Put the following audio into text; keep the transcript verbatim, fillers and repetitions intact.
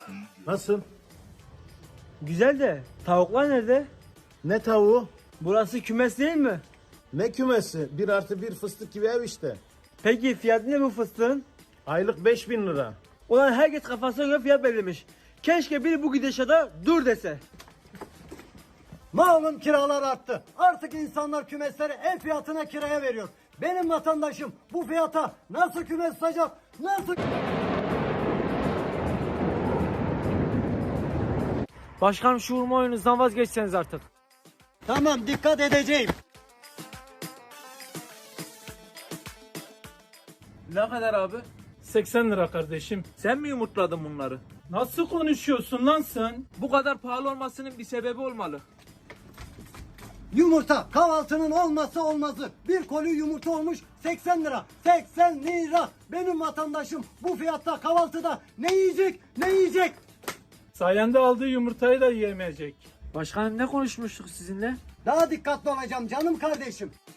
Nasıl? Güzel de tavuklar nerede? Ne tavuğu? Burası kümes değil mi? Ne kümesi? Bir artı bir fıstık gibi ev işte. Peki fiyatı ne bu fıstığın? Aylık beş bin lira. Ulan herkes kafasına göre fiyat belirlemiş. Keşke biri bu gidişata dur dese. Malum kiralar arttı. Artık insanlar kümesleri ev fiyatına kiraya veriyor. Benim vatandaşım bu fiyata nasıl kümes tutacak? Nasıl... Başkanım şu vurma oyununuzdan vazgeçseniz artık. Tamam, dikkat edeceğim. Ne kadar abi? seksen lira kardeşim. Sen mi yumurtladın bunları? Nasıl konuşuyorsun lan sen? Bu kadar pahalı olmasının bir sebebi olmalı. Yumurta kahvaltının olmazsa olmazı. Bir koli yumurta olmuş seksen lira. seksen lira. Benim vatandaşım bu fiyatta kahvaltıda ne yiyecek? Ne yiyecek? Sayende aldığı yumurtayı da yiyemeyecek. Başkanım ne konuşmuştuk sizinle? Daha dikkatli olacağım canım kardeşim.